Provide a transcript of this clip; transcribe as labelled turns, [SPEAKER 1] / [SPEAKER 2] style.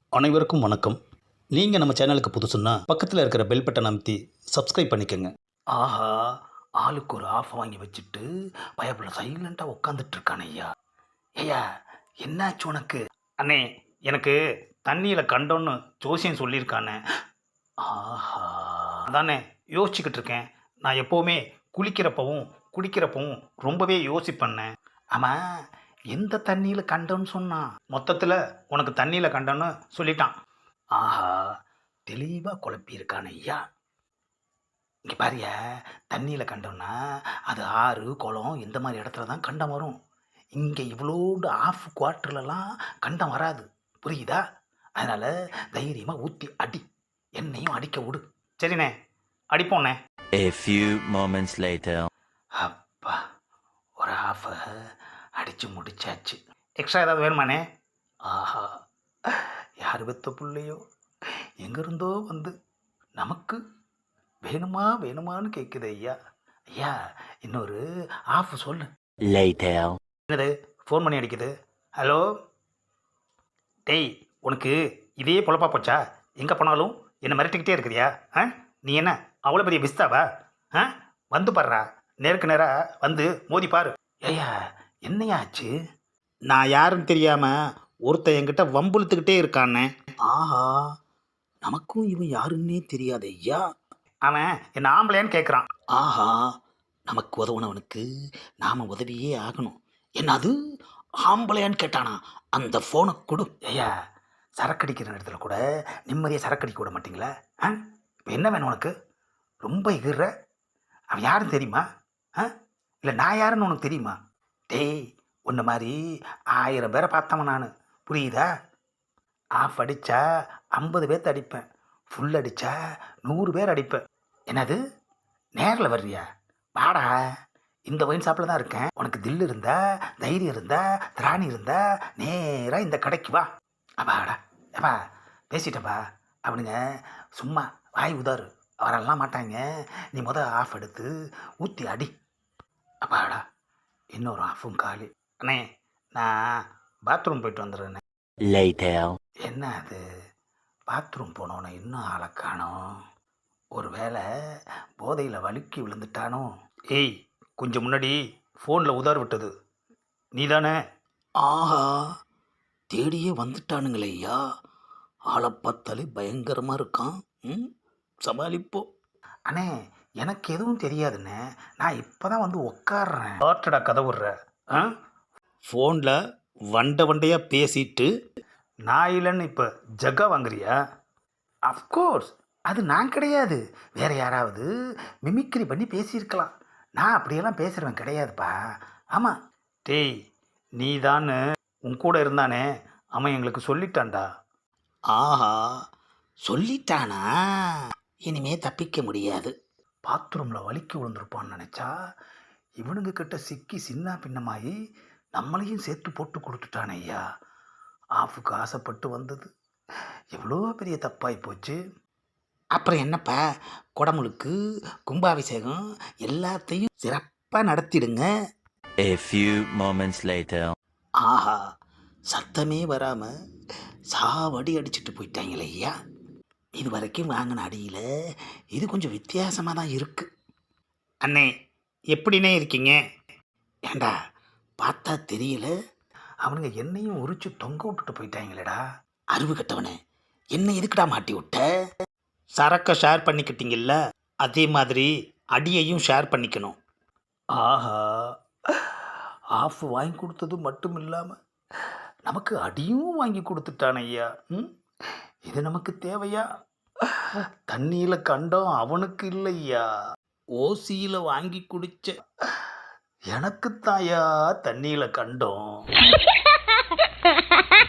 [SPEAKER 1] அனைவருக்கும் வணக்கம். நீங்கள் நம்ம சேனலுக்கு புதுசுன்னா பக்கத்தில் இருக்கிற பெல் பட்டனை அமைத்தி சப்ஸ்கிரைப் பண்ணிக்கோங்க. ஆஹா, ஆளுக்கு ஒரு ஆஃப் வாங்கி வச்சுட்டு பயப்புல சைலண்டாக உட்காந்துட்டு இருக்கானே ஐயா. ஐயா, என்னாச்சு உனக்கு? அண்ணே, எனக்கு தண்ணியில் கண்டோன்னு ஜோசியம் சொல்லியிருக்கானே. ஆஹா, அதானே யோசிச்சுக்கிட்டு இருக்கேன். நான் எப்போவுமே குளிக்கிறப்பவும் குடிக்கிறப்பவும் ரொம்பவே யோசிப்பண்ணேன். ஆமாம், எந்த தண்ணியில் கண்டோன்னு சொன்னான்? மொத்தத்தில் உனக்கு தண்ணியில் கண்டோன்னு சொல்லிட்டான். ஆஹா, தெளிவாக குழப்பியிருக்கான ஐயா. இங்கே பாரியா, தண்ணியில் கண்டோன்னா அது ஆறு குளம் இந்த மாதிரி இடத்துல தான் கண்டம் வரும். இங்கே இவ்வளோண்டு ஆஃப் குவார்ட்டர்லலாம் கண்டம் வராது, புரியுதா? அதனால் தைரியமாக ஊற்றி அடி, என்னையும் அடிக்க விடு. சரிண்ணே, அடிப்போண்ணே.
[SPEAKER 2] A few moments later.
[SPEAKER 1] அப்பா, ஒரு ஆஃபை அடித்து முடிச்சாச்சு. எக்ஸ்ட்ரா ஏதாவது வேணுமாண்ணே? ஆஹா, யார் பெத்த பிள்ளையோ எங்கேருந்தோ வந்து நமக்கு வேணுமா வேணுமான்னு கேட்குது ஐயா. ஐயா, இன்னொரு ஆஃப் சொல்லு.
[SPEAKER 2] Later.
[SPEAKER 1] என்னது ஃபோன் பண்ணி அடிக்குது? ஹலோ டேய், உனக்கு இதே பொழப்பா போச்சா? எங்கே போனாலும் என்னை மிரட்டிக்கிட்டே இருக்கிறியா? நீ என்ன அவ்வளோ பெரிய பிஸ்தாவா? வந்து பாடுறா, நேருக்கு நேராக வந்து மோதி பாரு. ஐயா, என்னையா ஆச்சு? நான் யாருன்னு தெரியாமல் ஒருத்தன் என்கிட்ட வம்புழுத்துக்கிட்டே இருக்கானே. ஆஹா, நமக்கும் இவன் யாருன்னே தெரியாது ஐயா. அவன் என்ன ஆம்பளையான்னு கேட்குறான். ஆஹா, நமக்கு உதவுனவனுக்கு நாம் உதவியே ஆகணும். என்னது ஆம்பளையான்னு கேட்டானா? அந்த ஃபோனை கொடு. ஐயா, சரக்கடிக்கிற இடத்துல கூட நிம்மதியாக சரக்கடிக்க விட மாட்டிங்களா? இப்போ என்ன வேணும் உனக்கு? ரொம்ப எகிற. அவன் யாருன்னு தெரியுமா? இல்லை நான் யாருன்னு உனக்கு தெரியுமா? டேய், உன்ன மாதிரி 1000 பேரை பார்த்தவன் நான், புரியுதா? ஆஃப் அடித்தா 50 பேர்த்த அடிப்பேன், ஃபுல் அடித்தா 100 பேர் அடிப்பேன். என்னது, நேரில் வர்றியா? வாடா, இந்த ஒயின் ஷாப்பில் தான் இருக்கேன். உனக்கு தில் இருந்தா, தைரியம் இருந்தா, திராணி இருந்தா நேராக இந்த கடைக்கு வா. அப்பாடா, ஏப்பா பேசிட்டப்பா. அவனுங்க சும்மா வாய் உதாரு, வரலாம் மாட்டாங்க. நீ ஆஃப் எடுத்து ஊற்றி அடி. அப்பாடா, இன்னொரு ஆஃபும் காலி. அண்ணே, நான் பாத்ரூம் போயிட்டு வந்துடுறேண்ணே.
[SPEAKER 2] Later.
[SPEAKER 1] என்ன அது, பாத்ரூம் போனோன்னு இன்னும் ஆளை காணோம். ஒரு வேளை போதையில் வழுக்கி விழுந்துட்டானோ? ஏய், கொஞ்சம் முன்னாடி ஃபோனில் உதார் விட்டது நீ தானே? ஆஹா, தேடியே வந்துட்டானுங்களே ஐயா. ஆளை பார்த்தாலே பயங்கரமாக இருக்கான். சமாளிப்போ. அண்ணே, எனக்கு எதுவும் தெரியாதுண்ணே, நான் இப்போ தான் வந்து உக்காடுறேன். ஆட்டடா கதை விட்ற. ஃபோனில் வண்டையாக பேசிட்டு நான் இல்லைன்னு இப்போ ஜக்கா வாங்குறியா? அஃப்கோர்ஸ், அது நான் கிடையாது, வேறு யாராவது மிமிக்ரி பண்ணி பேசியிருக்கலாம். நான் அப்படியெல்லாம் பேசுகிறவன் கிடையாதுப்பா. ஆமாம். டேய், நீ தான் உன் கூட இருந்தானே, அவன் எங்களுக்கு சொல்லிட்டான்டா. ஆஹா, சொல்லிட்டானா? இனிமே தப்பிக்க முடியாது. பாத்ரூமில் வலிக்கு விழுந்திருப்பான்னு நினச்சா இவனுங்க கிட்ட சிக்கி சின்ன பின்னமாகி நம்மளையும் சேர்த்து போட்டு கொடுத்துட்டானே ஐயா. ஆஃபுக்கு ஆசைப்பட்டு வந்தது எவ்வளோ பெரிய தப்பாகி போச்சு. அப்புறம் என்னப்பா, குடமுழுக்கு கும்பாபிஷேகம் எல்லாத்தையும் சிறப்பாக நடத்திடுங்க.
[SPEAKER 2] A few moments later.
[SPEAKER 1] ஆஹா, சத்தமே வராமல் சாவடி அடிச்சுட்டு போயிட்டாங்களே ஐயா. இது வரைக்கும் வாங்கின அடியில் இது கொஞ்சம் வித்தியாசமாக தான் இருக்குது. அண்ணே, எப்படின்னே இருக்கீங்க? ஏண்டா, பார்த்தா தெரியல, அவனுங்க என்னையும் உரிச்சு தொங்க விட்டுட்டு போயிட்டாங்களேடா. அறிவு கட்டவனே, என்ன எதுக்குடா மாட்டி விட்ட? சரக்கை ஷேர் பண்ணிக்கிட்டீங்கல்ல, அதே மாதிரி அடியையும் ஷேர் பண்ணிக்கணும். ஆஹா, ஆஃப் வாங்கி கொடுத்தது மட்டும் இல்லாமல் நமக்கு அடியும் வாங்கி கொடுத்துட்டான் ஐயா. இது நமக்கு தேவையா? தண்ணியில் கண்டோம் அவனுக்கு இல்லையா, ஓசியில் வாங்கி குடிச்ச எனக்கு தாயா தண்ணியில் கண்டோம்.